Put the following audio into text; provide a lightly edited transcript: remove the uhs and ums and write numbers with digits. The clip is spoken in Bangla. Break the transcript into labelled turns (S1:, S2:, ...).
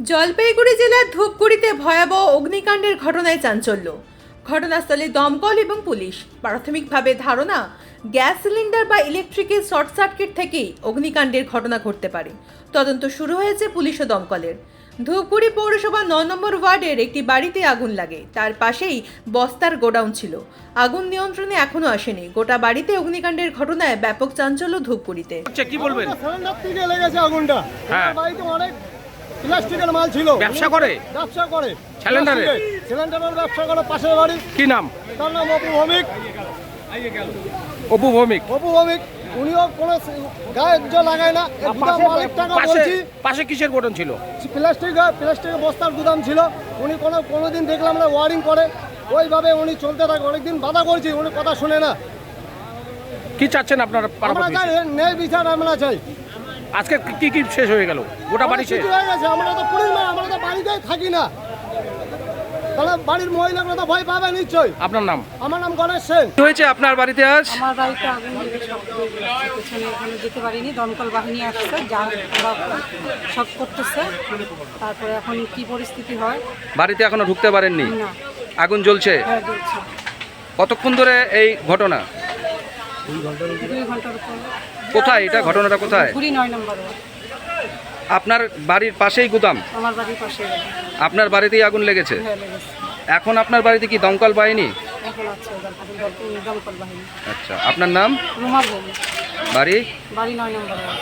S1: জলপাইগুড়ি জেলার ধূপগুড়িতে ভয়াবহ অগ্নিকাণ্ডের ঘটনায় চাঞ্চল্য। ঘটনাস্থলে দমকল এবং পুলিশ। প্রাথমিকভাবে ধারণা, গ্যাস সিলিন্ডার বা ইলেকট্রিকের শর্ট সার্কিট থেকেই অগ্নিকাণ্ডের ঘটনা ঘটতে পারে। তদন্ত শুরু হয়েছে পুলিশ ও দমকলের। ধূপগুড়ি পৌরসভা ৯ নম্বর ওয়ার্ডের একটি বাড়িতে আগুন লাগে। তার পাশেই বস্তার গোডাউন ছিল। আগুন নিয়ন্ত্রণে এখনো আসেনি। গোটা বাড়িতে অগ্নিকাণ্ডের ঘটনায় ব্যাপক চাঞ্চল্য ধূপগুড়িতে।
S2: আচ্ছা, কি বলবেন?
S3: সিলিন্ডার থেকে লেগেছে আগুনটা।
S2: হ্যাঁ।
S3: ওনার বাড়িতে অনেক প্লাস্টিকের মাল ছিল।
S2: ব্যবসা করে?
S3: ব্যবসা করে
S2: সিলিন্ডারের?
S3: সিলিন্ডারের ব্যবসা করে পাশের বাড়ি।
S2: কি নাম?
S3: তার নাম অপু ভৌমিক।
S2: অপু ভৌমিক।
S3: অপু ভৌমিক উনিও কোনো গায়ে জল লাগায় না। এই গুদাম মালিক টাকা বলছি।
S2: পাশে কিসের গোডাউন ছিল?
S3: প্লাস্টিকের বস্তার গুদাম ছিল। উনি কোনোদিন দেখলাম না ওয়ারিং করে, ওইভাবে উনি চলতে থাকে। অনেকদিন বাধা করছি, উনি কথা শুনে না।
S2: কি চাচ্ছেন আপনারা?
S3: আমরা চাই ন্যায় বিচার, আমরা চাই।
S2: আজকে কি কি শেষ হয়ে গেল? গোটা বাড়ি শেষ
S3: হয়ে গেছে। আমরা তো পুলিশ না, আমরা তো বাড়িতেই থাকি না। তাহলে বাড়ির মহিলাগুলো তো ভয় পাবে নিশ্চয়ই।
S2: আপনার নাম?
S3: আমার নাম গণেশ সেন।
S2: কি হয়েছে আপনার বাড়িতে আজ?
S4: আমার বাড়িতে আগুন লেগে সব পেছনে ওখানে যেতে পারিনি, দমকল বাহিনী আসছে, যা ওরা সব করতেছে। তারপরে এখন কি পরিস্থিতি হয়
S2: বাড়িতে এখনো ঢুকতে পারেননি?
S4: না।
S2: আগুন জ্বলছে?
S4: হ্যাঁ, জ্বলছে।
S2: কতক্ষণ ধরে এই ঘটনা?
S4: 2 ঘন্টার উপর।
S2: কোথায় এটা? ঘটনাটা কোথায়?
S4: পুরী 9 নম্বর ওয়ার্ড।
S2: আপনার বাড়ির পাশেই গুদাম?
S4: আমার বাড়ির পাশে।
S2: আপনার বাড়িতেই আগুন লেগেছে?
S4: হ্যাঁ, লেগেছে।
S2: এখন আপনার বাড়িতে কি দমকল বাহিনী?
S4: এখন আছে দমকল বাহিনী।
S2: আচ্ছা, আপনার নাম?
S4: রুমা ভৌমিক,
S2: বাড়ি?
S4: বাড়ি 9 নম্বর ওয়ার্ড।